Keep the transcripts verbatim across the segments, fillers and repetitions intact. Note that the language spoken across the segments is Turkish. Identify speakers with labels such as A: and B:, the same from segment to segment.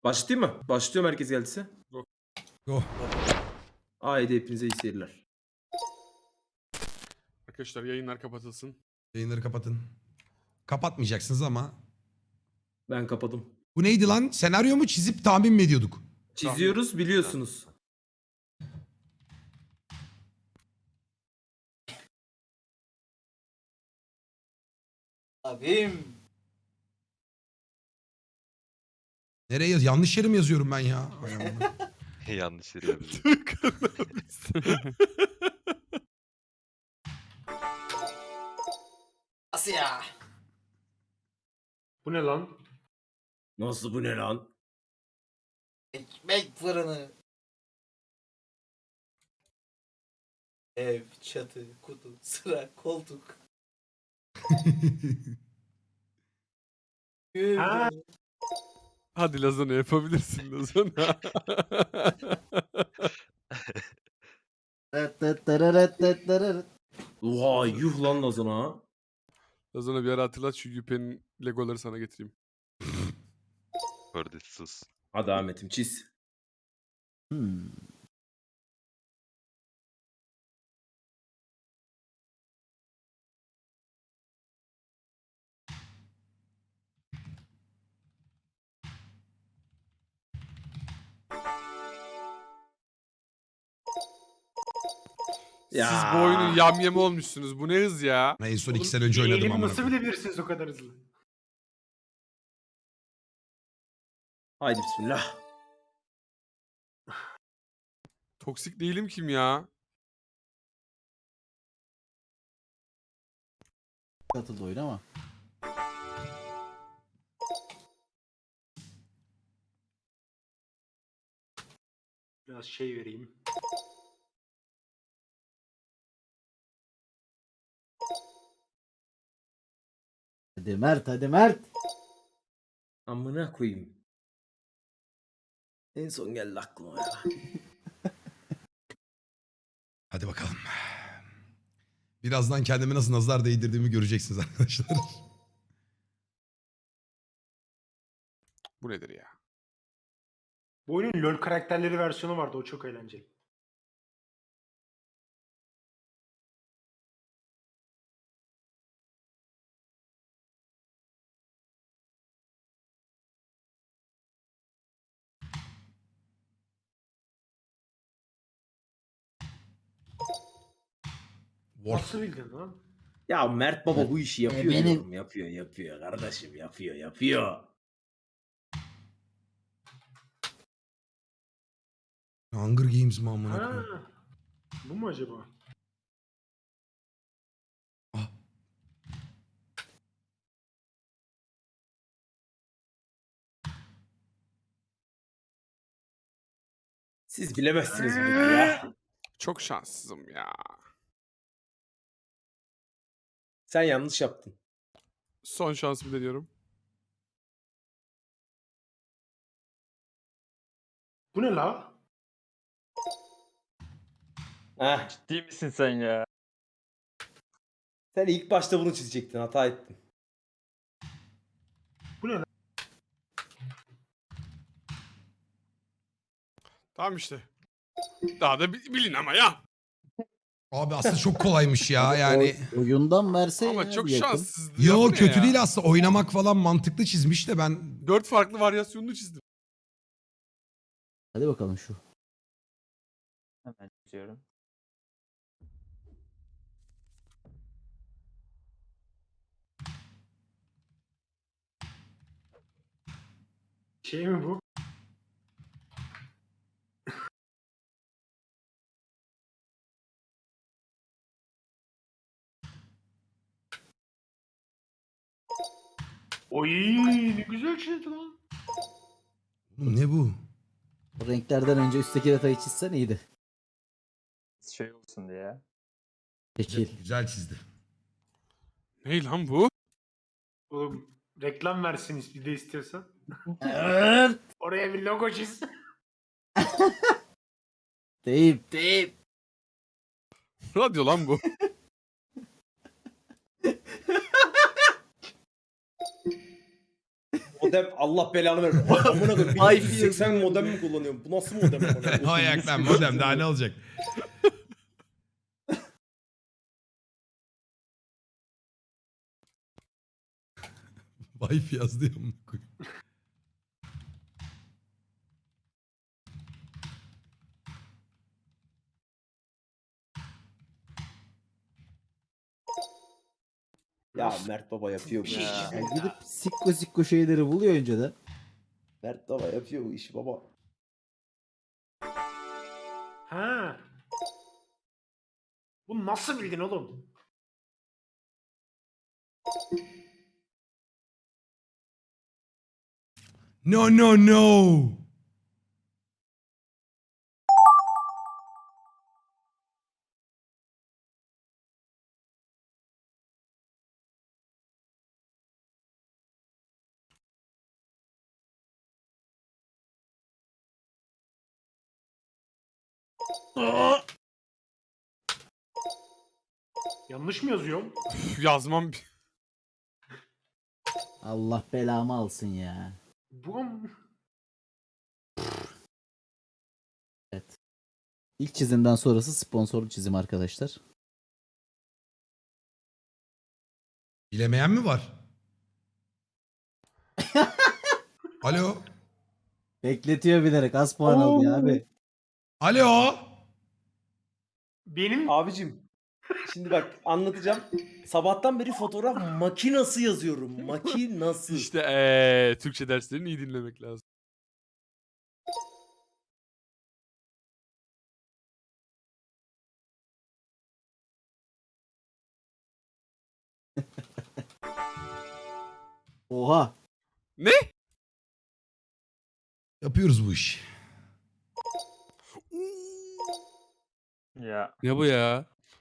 A: Başlayayım mı? Başlıyorum herkes geldiyse.
B: Go.
A: Haydi hepinize iyi seyirler.
C: Arkadaşlar yayınlar kapatılsın.
B: Yayınları kapatın. Kapatmayacaksınız ama.
A: Ben kapadım.
B: Bu neydi lan? Senaryo mu çizip tahmin mi ediyorduk?
A: Çiziyoruz biliyorsunuz.
D: Abim.
B: Nereye yaz? Yanlış yere mi yazıyorum ben ya? Ay aman.
E: Yanlış yere yazıyor.
D: Asya.
C: Bu ne lan?
A: Nasıl bu ne lan?
D: Ekmek fırını. Ev, çatı, kutu, sıra, koltuk.
C: Ha. Hadi Lazana yapabilirsin Lazana.
A: Oha yuh lan Lazana ha.
C: Lazana bir ara hatırlat şu Yüpe'nin legoları sana getireyim.
E: Kordet sus.
A: Hadi Ahmet'im çiz.
D: Hmm.
A: Ya.
C: Siz bu oyunun yamyamı olmuşsunuz. Bu ne hız ya?
B: En son iki sene önce oynadım ama.
F: Nasıl bilebilirsiniz o kadar hızlı?
A: Haydi bismillah.
C: Toksik değilim kim ya?
D: Katıldı oyun ama.
F: Biraz şey vereyim.
D: Hadi Mert, hadi Mert.
A: Amına koyayım. En son geldi aklıma ya.
B: Hadi bakalım. Birazdan kendime nasıl nazar değdirdiğimi göreceksiniz arkadaşlar.
C: Bu nedir ya?
F: Bu oyunun LoL karakterleri versiyonu vardı, o çok eğlenceli.
B: War.
F: Nasıl bildin lan?
A: Ya Mert Baba bu işi yapıyor.
D: benim-
A: diyorum. Yapıyor yapıyor kardeşim yapıyor yapıyor.
B: Hunger Games mi amına
F: Ha,
B: koyayım?
F: bu mu acaba?
B: Ah.
A: Siz bilemezsiniz bunu ya.
C: Çok şanssızım ya.
A: Sen yanlış yaptın.
C: Son şansımı deniyorum.
F: Bu ne la?
A: Heh.
E: Ciddi misin sen ya?
A: Sen ilk başta bunu çizecektin. Hata ettin.
F: Bu ne la?
C: Tamam işte. Daha da bi- bilin ama ya.
B: Abi aslında çok kolaymış ya yani.
D: Oy- oyundan verse
C: Ama
D: ya
C: çok
D: bir yakın.
C: şanssızdı. ya.
B: Yo
C: Bu ne
B: kötü
C: ya?
B: değil aslında. Oynamak falan mantıklı çizmiş de ben...
C: Dört farklı varyasyonunu çizdim.
D: Hadi bakalım şu.
E: Hemen çiziyorum.
F: Şey mi bu? Oy, ne güzel çizdi lan.
B: Oğlum ne bu?
D: O renklerden önce üstteki detayı çizsen iyiydi.
E: Şey olsun diye ya.
D: Şekil.
B: Güzel çizdi.
C: Ne lan bu?
F: Oğlum reklam versin bir de istiyorsan.
D: Evet.
F: Oraya bir logo çiz.
D: Deyip deyip.
C: Radyo lan bu.
A: Modem Allah belanı versin. Amına koyayım.
D: Ay,
A: bin dokuz yüz seksen modem mi kullanıyorum? Bu nasıl modem? amına koyayım?
B: Ayak lan modem daha ne olacak? Wifi yazdı ya amına koyayım.
A: Ya Mert Baba yapıyor bu işi.
E: Ya.
D: Yani gidip sikko sikko şeyleri buluyor önceden.
A: Mert Baba yapıyor bu işi baba.
F: Ha. Bunu nasıl bildin oğlum?
B: No no no.
F: Yanlış mı yazıyorum?
C: Üf, yazmam.
D: Allah belamı alsın ya.
F: Bu mu?
D: Evet. İlk çizimden sonrası sponsorlu çizim arkadaşlar.
B: Bilemeyen mi var? Alo.
D: Bekletiyor bilerek az puan aldı ya abi.
B: Alo.
F: Benim
A: Abicim. Şimdi bak anlatacağım. Sabahtan beri fotoğraf makinası yazıyorum. Makinası.
C: İşte ee, Türkçe derslerini iyi dinlemek lazım.
D: Oha.
C: Ne?
B: Yapıyoruz bu işi.
E: Ya.
C: Ne bu ya?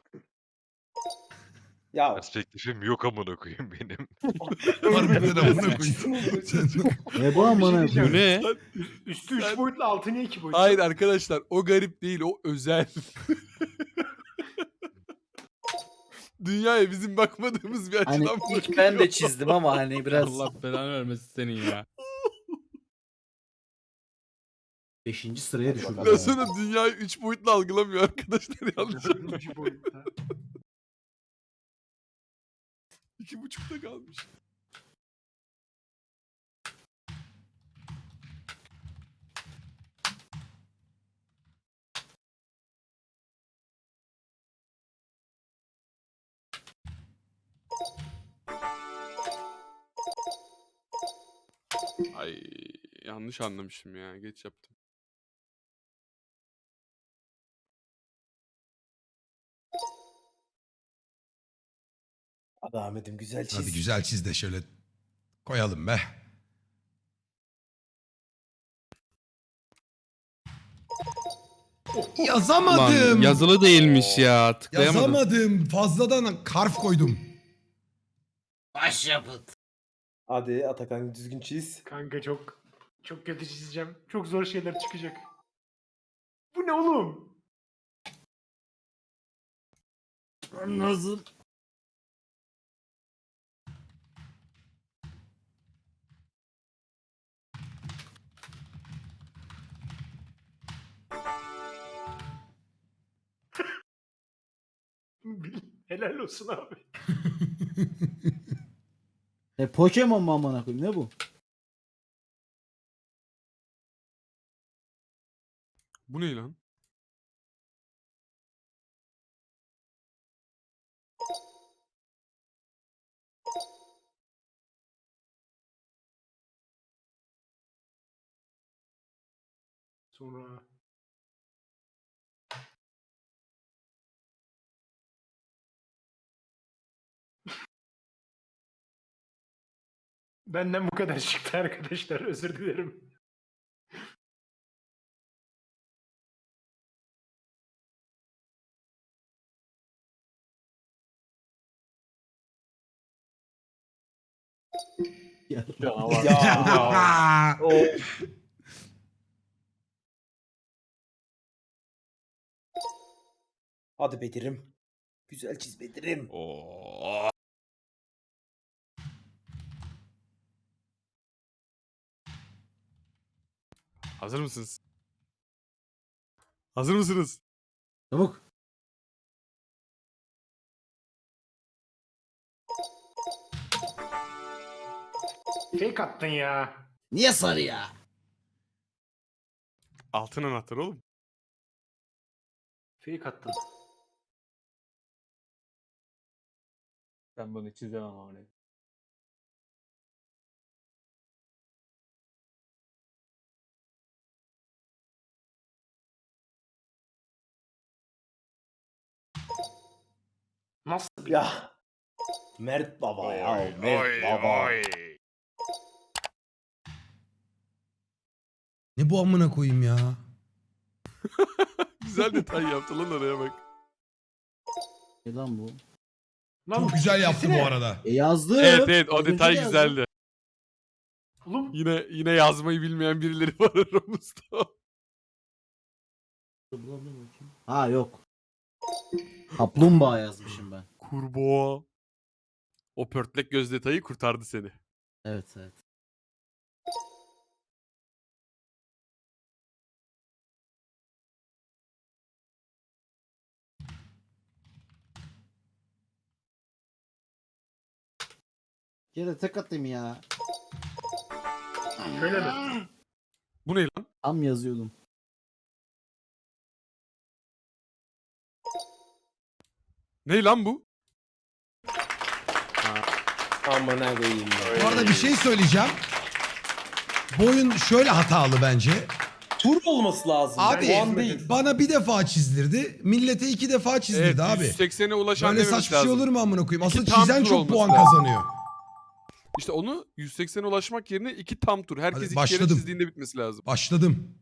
A: Ya
G: Perspektifim yok amına koyayım benim.
B: Harbiden amına koyayım. Sen-
D: Ne bu
F: Oğlum, bir şey
D: amına
F: diyeceğim.
C: Bu
D: koyayım?
C: ne?
F: üstü üç
C: Sen-
F: boyutlu altı niye iki boyutlu?
C: Hayır arkadaşlar o garip değil o özel. Dünyaya bizim bakmadığımız bir
D: Hani
C: açıdan
H: İlk
C: bakıyor.
H: ben de çizdim ama hani biraz
I: Allah belanı vermesin senin ya.
D: Beşinci sıraya düşürdü.
A: bakalım.
C: Ben sonra dünyayı üç boyutlu algılamıyor arkadaşlar yanlış anlamayın.
F: Dördüncü boyutta.
C: İki buçukta kalmış. Ay yanlış anlamışım ya. Geç yaptım.
A: Hadi Ahmet'im güzel çiz.
B: Hadi güzel çiz de şöyle koyalım be. Yazamadım.
I: Lan yazılı değilmiş ya. Tıklayamadım.
B: Yazamadım. Fazladan karf koydum.
H: başyapıt.
A: Hadi Atakan düzgün çiz.
F: Kanka çok çok kötü çizeceğim. Çok zor şeyler çıkacak. Bu ne oğlum?
D: Nasıl?
F: Helal olsun abi.
D: E Pokemon mu amına koyayım ne bu?
C: Bu ne lan?
F: Sonra benden bu kadar çıktı arkadaşlar. Özür dilerim.
D: Ya.
E: Canavar.
A: Ya.
E: Of.
A: Hadi Bedir'im. Güzel çiz Bedir'im.
C: Oo. Hazır mısınız? Hazır mısınız?
D: Çabuk.
F: Fake attın ya.
D: Niye sarı ya?
C: Altın anahtar oğlum.
F: Fake attın.
E: Ben bunu çizemem ama.
F: Nasıl?
A: Ya. Mert baba ya. Mert baba.
B: Ne bu amına koyayım ya?
C: Güzel detay yaptı lan oraya bak.
D: Ne lan bu?
F: Lan
B: Çok güzel yaptı
F: çizsene.
B: bu arada.
D: E yazdım.
C: Evet evet o
D: Az önce
C: detay
D: de yazdım.
C: güzeldi.
F: Oğlum
C: Yine yine yazmayı bilmeyen birileri var aramızda.
D: Ha yok. Kaplumbağa yazmışım ben.
C: Kurbağa. O pörtlek göz detayı kurtardı seni.
D: Evet evet. Gene tek atayım ya.
F: şöyle mi?
C: Bu ne lan?
D: Tam yazıyordum.
C: Ne lan bu?
A: Aman ha koyayım ya.
B: Bu arada bir şey söyleyeceğim. Bu oyun şöyle hatalı bence.
A: Tur olması lazım.
B: Abi
A: Puan değil.
B: bana bir defa çizdirdi. Millete iki defa çizdirdi
C: Evet
B: abi.
C: yüz seksene ulaşan
B: Böyle
C: dememiz
B: saçma şey
C: lazım.
B: olur mu amına koyayım? Asıl
C: İki tam
B: çizen
C: tur
B: çok
C: olması
B: puan
C: lazım.
B: kazanıyor.
C: İşte onu yüz seksene ulaşmak yerine iki tam tur. Herkes
B: Hadi
C: iki kere
B: başladım.
C: çizdiğinde bitmesi lazım.
B: Başladım.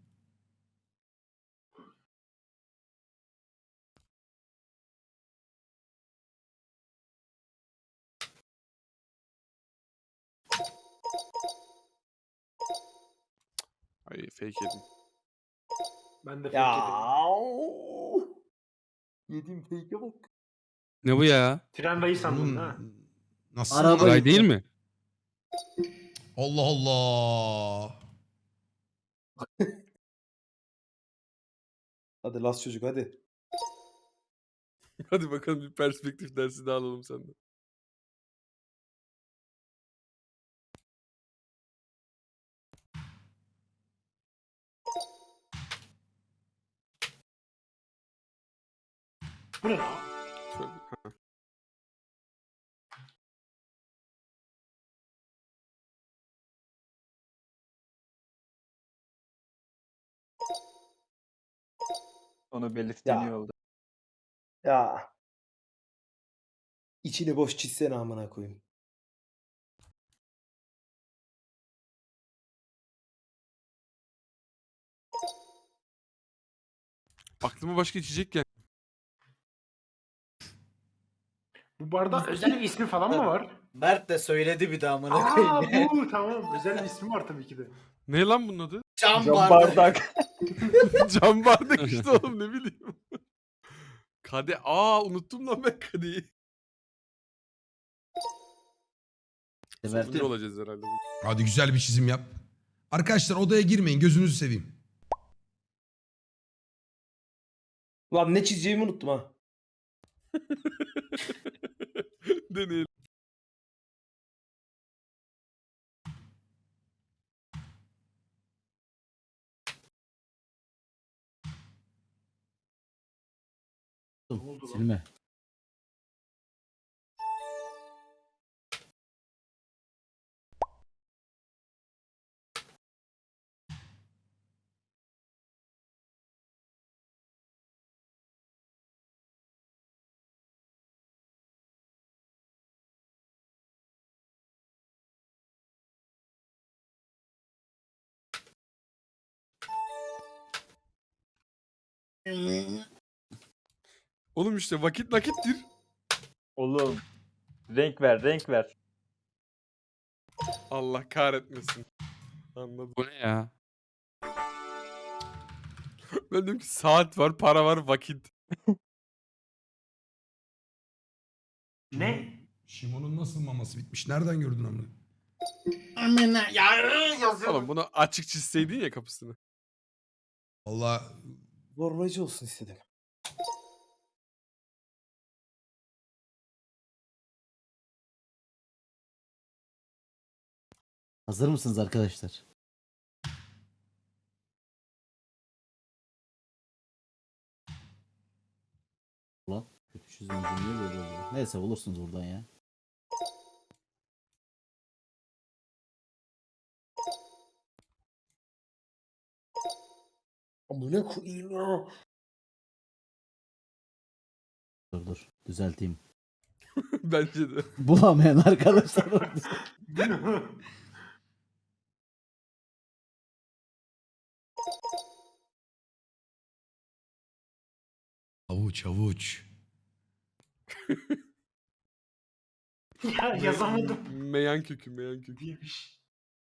C: Ay fake yedim.
F: Ben de fake
A: Ya.
F: yedim.
A: Yedim fake'e bak.
I: Ne bu ya?
F: Tren rayı sandın
B: Oğlum,
F: ha.
B: nasıl?
D: Araba-
I: Saray değil mi?
B: Allah Allah.
A: Hadi las çocuk hadi.
C: Hadi bakalım bir perspektif dersi daha alalım senden.
F: Bu ne lan?
C: Tövbe.
E: Onu belirttiğin iyi
A: Ya.
E: oldu.
A: Ya. İçini boş çizsene amına koyayım.
C: Aklıma başka içecek gel.
F: Bu barda özel bir ismi falan mı var?
D: Mert de söyledi bir daha amına
F: Aa
D: koyayım.
F: bu tamam. Özel bir ismi var tabii ki de.
C: Ne lan bunun adı?
D: Cam
E: Cam
D: bardak.
E: bardak.
C: Cam bardak işte oğlum ne bileyim. Kade. Aa unuttum lan ben kadeyi. Sonuncu
D: Mert'im.
C: olacağız herhalde. bu.
B: Hadi güzel bir çizim yap. Arkadaşlar odaya girmeyin. Gözünüzü seveyim.
A: Lan ne çizeceğimi unuttum ha.
C: Deneyelim.
F: oldu lan?
D: Silme.
C: Oğlum işte vakit nakittir.
E: Oğlum. Renk ver, renk ver.
C: Allah kahretmesin. Anladım.
I: Bu ne ya?
C: Ben diyorum ki saat var, para var, vakit.
F: Ne?
B: Şimon'un nasıl maması bitmiş? Nereden gördün amına?
F: Ya yazıyorum.
C: Oğlum bunu açık çizseydin ya kapısını.
B: Valla
A: Zorlayıcı olsun istedim.
D: Hazır mısınız arkadaşlar? Ulan kötü çizim niye böyle oluyor? Neyse bulursunuz buradan ya.
A: Amına koyayım ya.
D: Dur dur düzelteyim.
C: Bence de.
D: Bulamayan arkadaşlar orada.
B: avuç avuç.
F: Ya yazamadım.
C: Meyan kökü, meyan kökü.
F: Değilmiş.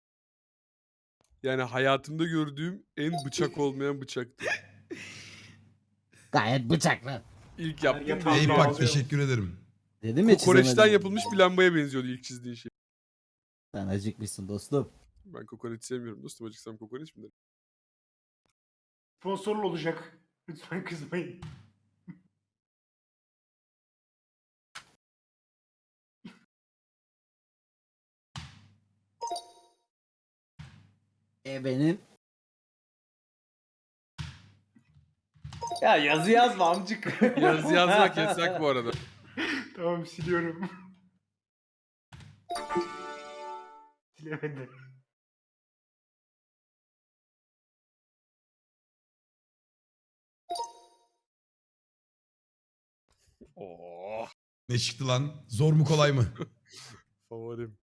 C: Yani hayatımda gördüğüm en bıçak olmayan bıçaktı.
D: Gayet bıçaklı.
C: İlk
F: Her
C: yaptığım
F: yatağı
C: değil.
B: Eyüp
F: Tamam.
B: bak teşekkür ederim.
D: Dedim ya
C: Kokoreçten
D: çizemedim.
C: yapılmış bir lambaya benziyordu ilk çizdiğin şey.
D: Sen acıkmışsın dostum.
C: Ben kokoreç sevmiyorum dostum. Acıksam kokoreç mi derim?
F: Sponsorlu olacak. Lütfen kızmayın.
D: E benim.
A: Ya yazı yazma amcık.
C: Yazı yazmak yasak bu arada.
F: Tamam siliyorum. Silemedi.
C: Oo,
B: Ne çıktı lan? Zor mu kolay mı?
C: favorim.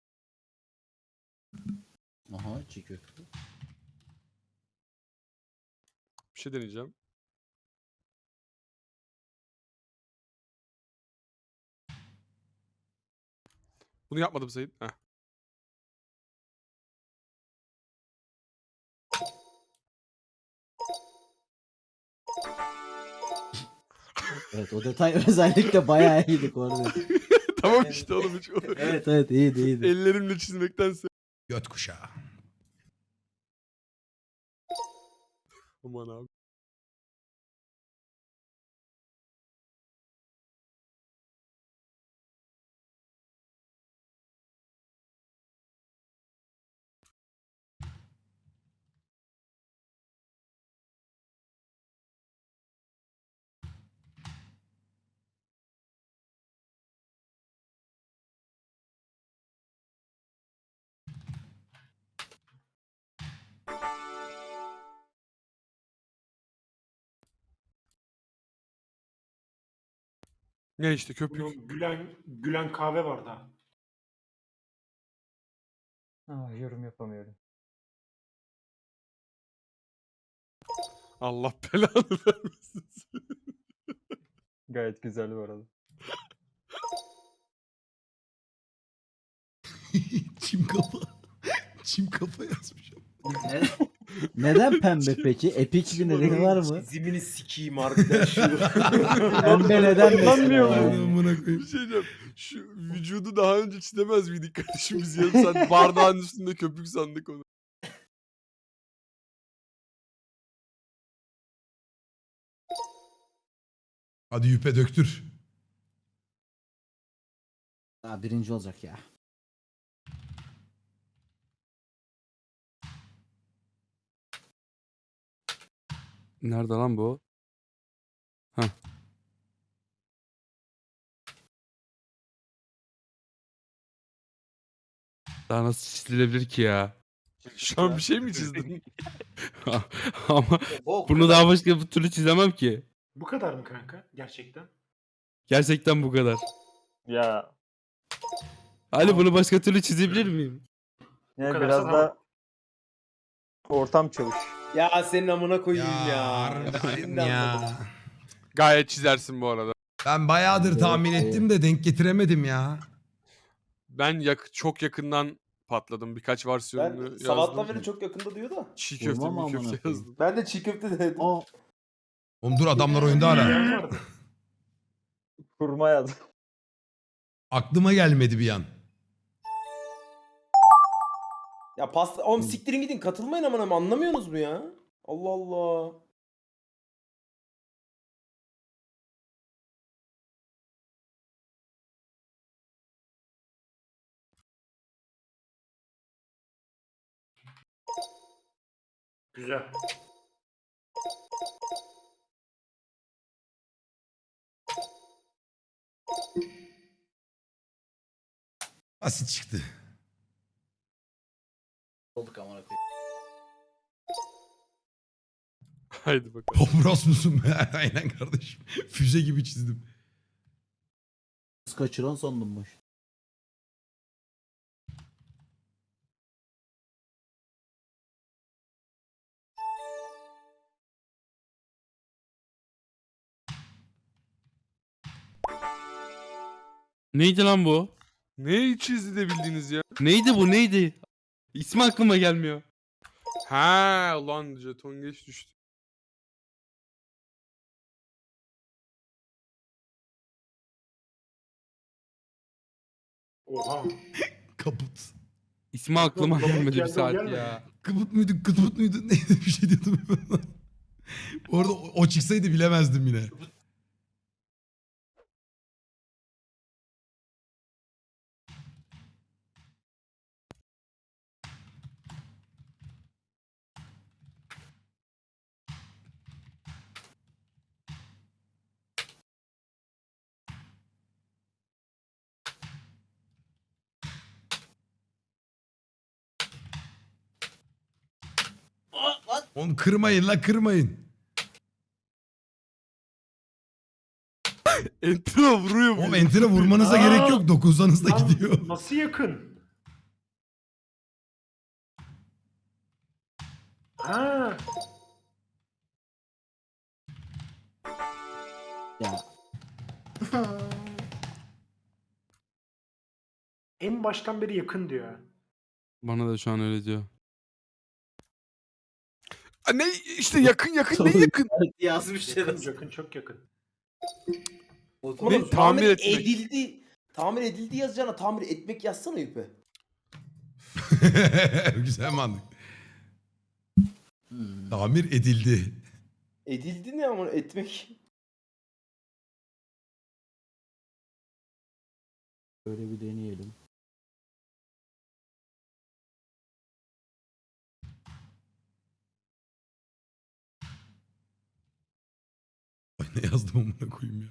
D: Aha çiğ köfte.
C: Bir şey deneyeceğim. Bunu yapmadım Sayın. Heh.
D: Evet o detay özellikle bayağı iyiydik orada.
C: Tamam işte oğlum hiç.
D: Evet evet iyiydi iyiydi.
C: Ellerimle çizmektense.
B: Göt kuşağı.
C: Aman abi. Ne işte köpük.
F: Bunun gülen, gülen kahve var da.
E: Ah, yorum yapamıyorum.
C: Allah belanı vermesin.
E: Gayet güzel bu arada.
B: Çim kafa. Çim kafa yazmış.
D: Ne- Neden pembe peki? Epik bir nedeni var mı?
A: Çizimini sikeyim harbiden şu.
D: Pembe neden
E: Kullanmıyor
D: mesela?
E: muyum?
D: yani?
B: Amına
C: Bir
B: koyayım.
C: şey diyeceğim. Şu vücudu daha önce çizemez miydik kardeşim biz yarım saat bardağın üstünde köpük sandık onu.
B: Hadi yüpe döktür.
D: Aa, birinci olacak ya.
I: Nerede lan bu? Heh. Daha nasıl çizilebilir ki ya?
C: Şu an bir şey mi çizdin?
I: Ama
A: Bok.
I: bunu daha başka bir türlü çizemem ki.
F: Bu kadar mı kanka? Gerçekten.
I: Gerçekten bu kadar.
E: Ya
I: Ali bunu başka türlü çizebilir miyim?
E: yani
F: kadar
E: biraz
F: sana-
E: da ortam çavuş.
A: Ya senin amına koyayım ya.
B: Ya, harbiden
A: Şimdi anladım.
B: ya.
C: Gayet çizersin bu arada.
B: Ben bayağıdır tahmin
D: Evet,
B: ettim de denk getiremedim ya.
C: Ben yak çok yakından patladım. Birkaç versiyonunu
A: Ben
C: yazdım.
A: sabahtan beri çok yakında diyor da.
C: Çiğ köfte,
D: Vurmam
C: mi
D: amına
C: köfte
D: koyayım.
C: yazdım.
A: Ben de çiğ köfte dedim.
D: Aa,
B: Oğlum dur adamlar oyunda hala.
F: Yiyen vardı.
E: Kurma yazdım.
B: Aklıma gelmedi bir an.
A: Ya pasta... Oğlum siktirin gidin katılmayın amına koyayım, anlamıyorsunuz mu ya? Allah Allah.
F: Güzel.
B: Basit çıktı.
D: Olduk amına koyayım.
C: Haydi bakalım.
B: Popros musun be? Aynen kardeşim. Füze gibi çizdim.
D: Kız kaçıran sandım baş.
I: Neydi lan bu?
C: Neyi çizdi de bildiniz ya?
I: Neydi bu neydi? İsmi aklıma gelmiyor.
C: Ha ulan jeton geç düştü.
F: Oha.
B: Kaput.
I: İsmi aklıma
F: Yok,
I: gelmedi bir
F: geldi, o
I: saat
F: gelmedi.
I: ya.
B: Kıpıt muydu, kıtpıt muydu? Neydi bir şey diyordum. Bu arada o, o çıksaydı bilemezdim yine. Onu kırmayın la kırmayın.
C: Enter'a vuruyor bu.
B: O enter'e vurmanıza
F: Aa!
B: gerek yok. Dokuzdanız da
F: Lan,
B: gidiyor.
F: nasıl yakın? Ha.
D: Ya
F: En baştan beri yakın diyor.
I: Bana da şu an öyle diyor.
C: Aa, ne işte yakın yakın ne yakın?
D: yazmış
F: Yakın, yakın, çok yakın.
A: Oğlum,
C: Ne? Tamir etmek.
A: edildi. Tamir edildi yazacağına tamir etmek yazsana Yüpe.
B: Güzel mantık.
D: Hmm.
B: Tamir edildi.
A: Edildi ne ama etmek.
D: Böyle bir deneyelim.
B: Ay ne yazdım amına koyayım ya.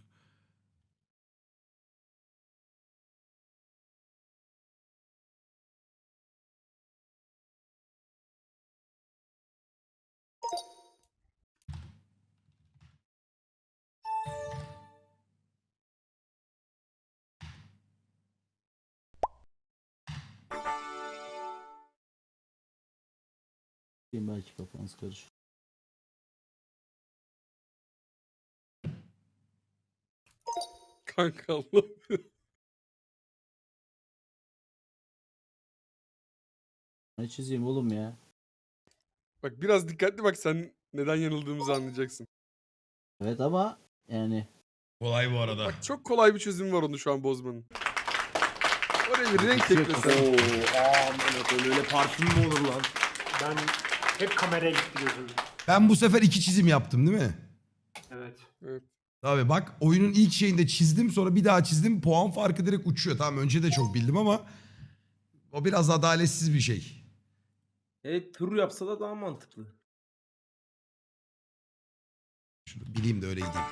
D: Belki kafanız karışır.
C: Kanka Allah.
D: Ne çizeyim oğlum ya?
C: Bak biraz dikkatli bak sen neden yanıldığımızı anlayacaksın.
D: Evet ama yani
B: Kolay bu arada.
C: Bak çok kolay bir çözüm var onu şu an bozmanın. Oraya bir renk eklesen.
A: Aaa öyle parfüm mü olur lan?
F: Ben hep kameraya gitti gözüm.
B: Ben bu sefer iki çizim yaptım değil mi?
F: Evet.
B: Tabii bak oyunun ilk şeyinde çizdim sonra bir daha çizdim puan farkı direkt uçuyor. Tamam önce de çok bildim ama o biraz adaletsiz bir şey.
A: Evet tur yapsa da daha mantıklı.
B: Şunu bileyim de öyle gideyim.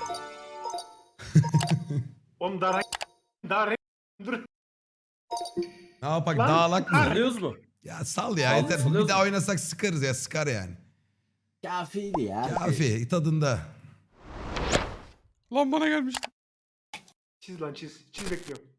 F: Oğlum daha daha dur.
B: Ne yapak
F: Lan,
B: dağlak mı?
A: Anlıyoruz mu?
B: Ya sal ya
A: Sal-
B: yeter.
A: salıyoruz
B: Bir daha
A: mu?
B: oynasak sıkarız ya sıkar yani.
D: kafiydi ya.
B: Kafi tadında.
C: Lan bana gelmişti.
F: Çiz lan çiz. Çiz bekliyorum.